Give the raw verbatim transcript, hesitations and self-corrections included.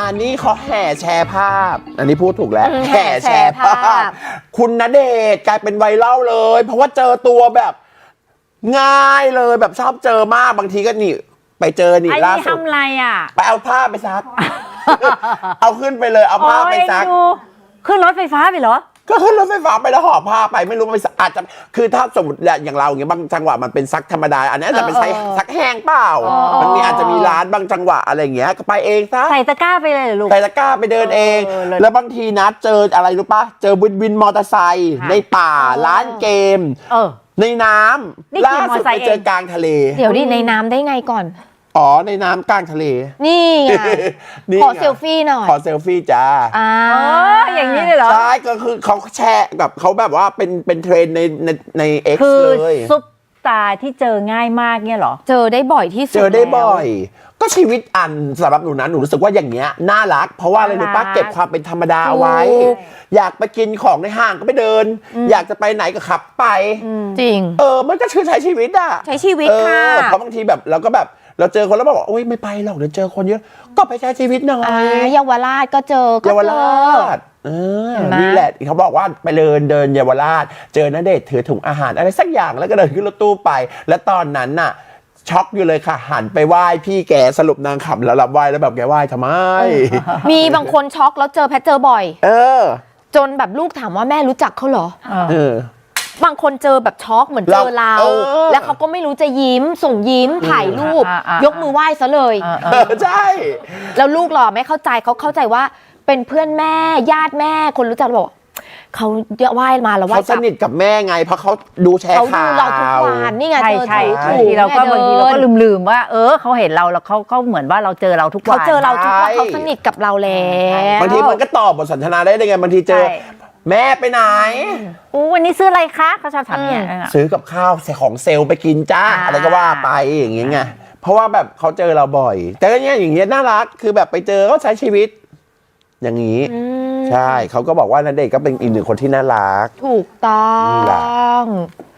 อันนี้เขาแห่แชร์ภาพอันนี้พูดถูกแล้วแห่แชร์ภาพคุณณเดชน์กลายเป็นไวรัลเลยเพราะว่าเจอตัวแบบง่ายเลยแบบชอบเจอมากบางทีก็นี่ไปเจอนี่ล่าสุดทำอะไรอ่ะไปเอาผ้าไปซัก เอาขึ้นไปเลยเอาผ้าไปซักขึ้นรถไฟฟ้าไปเหรอก็ขึ้นรถไฟฟ้าไปแล้วห่อผ้าไปไม่รู้ไปอาจจะคือถ้าสมมติอย่างเราอย่างเงี้ยบางจังหวะมันเป็นซักธรรมดาอันนี้จะเป็นซักซักแห้งเปล่ามันมีอาจจะมีร้านบางจังหวะอะไรอย่างเงี้ยก็ไปเองซะใส่ตะกร้าไปเลยเหรอลูกใส่ตะกร้าไปเดินเองแล้วบางทีนะเจออะไรรู้ปะเจอวินวินมอเตอร์ไซค์ในป่าร้านเกมในน้ำล่าสุดไปเจอกลางทะเลเดี๋ยวดิในน้ำได้ไงก่อนอ๋อในน้ำกลางทะเลนี่ไงขอเซลฟี่หน่อยขอเซลฟี่จ้าอ่าอย่างนี้เลยเหรอใช่ก็คือเขาแชร์แบบเขาแบบว่าเป็นเป็นเทรนในในในเอ็กซ์เลยซุปตาที่เจอง่ายมากเนี่ยเหรอเจอได้บ่อยที่สุดเจอได้บ่อยก็ชีวิตอันสำหรับหนูนะหนูรู้สึกว่าอย่างเงี้ยน่ารักเพราะว่าอะไรรู้ป่ะเก็บความเป็นธรรมดาเอาไว้อยากไปกินของในห้างก็ไปเดินอยากจะไปไหนก็ขับไปจริงเออมันก็คือใช้ชีวิตอะใช้ชีวิตค่ะเพราะบางทีแบบเราก็แบบเราเจอคนแล้วบอกโอ๊ยไม่ไปหรอกเดี๋ยวเจอคนเยอะก็ไปใช้ชีวิตหน่อยเยาวราชก็เจอเยาวราชเออนี่แหละเขาบอกว่าไปเดินเดินเยาวราชเจอณเดชน์ถือถุงอาหารอะไรสักอย่างแล้วก็เดินขึ้นรถตู้ไปแล้วตอนนั้นน่ะช็อกอยู่เลยค่ะหันไปไหว้พี่แกสรุปนางขำแล้วรับไหว้แล้วแบบแกไหว้ทำไมมีบางคนช็อกแล้วเจอแพทเจอบ่อยเออจนแบบลูกถามว่าแม่รู้จักเขาเหรอเออบางคนเจอแบบช็อกเหมือนเจอเราแล้วเขาก็ไม่รู้จะยิ้มส่งยิ้มถ่ายรูปยกมือไหว้ซะเลยใช่แล้วลูกหล่อไม่เข้าใจเขาเข้าใจว่าเป็นเพื่อนแม่ญาติแม่คนรู้จักบอกเขาไหว้มาแล้วว่าเขาสนิทกับแม่ไงเพราะเขาดูแชร์ข่าวเขาดูเราทุกวันนี่ไงใช่ใช่บางทีเราก็บางทีเราก็ลืมๆว่าเออเขาเห็นเราแล้วเขาเขาเหมือนว่าเราเจอเราทุกวันเขาเจอเราทุกวันเขาสนิทกับเราแล้วบางทีมันก็ตอบบทสนทนาได้ไงบางทีเจอแม่ไปไหนอู้วันนี้ซื้ออะไรคะเขาชอบถามเนี่ยซื้อกับข้าวของเซลล์ไปกินจ้าอะไรก็ว่าไปอย่างเงี้ยไงเพราะว่าแบบเขาเจอเราบ่อยแต่ก็เนี้ยอย่างเงี้ยน่ารักคือแบบไปเจอเขาใช้ชีวิตอย่างนี้ใช่เขาก็บอกว่าณเดชน์ก็เป็นอีกหนึ่งคนที่น่ารักถูกต้อง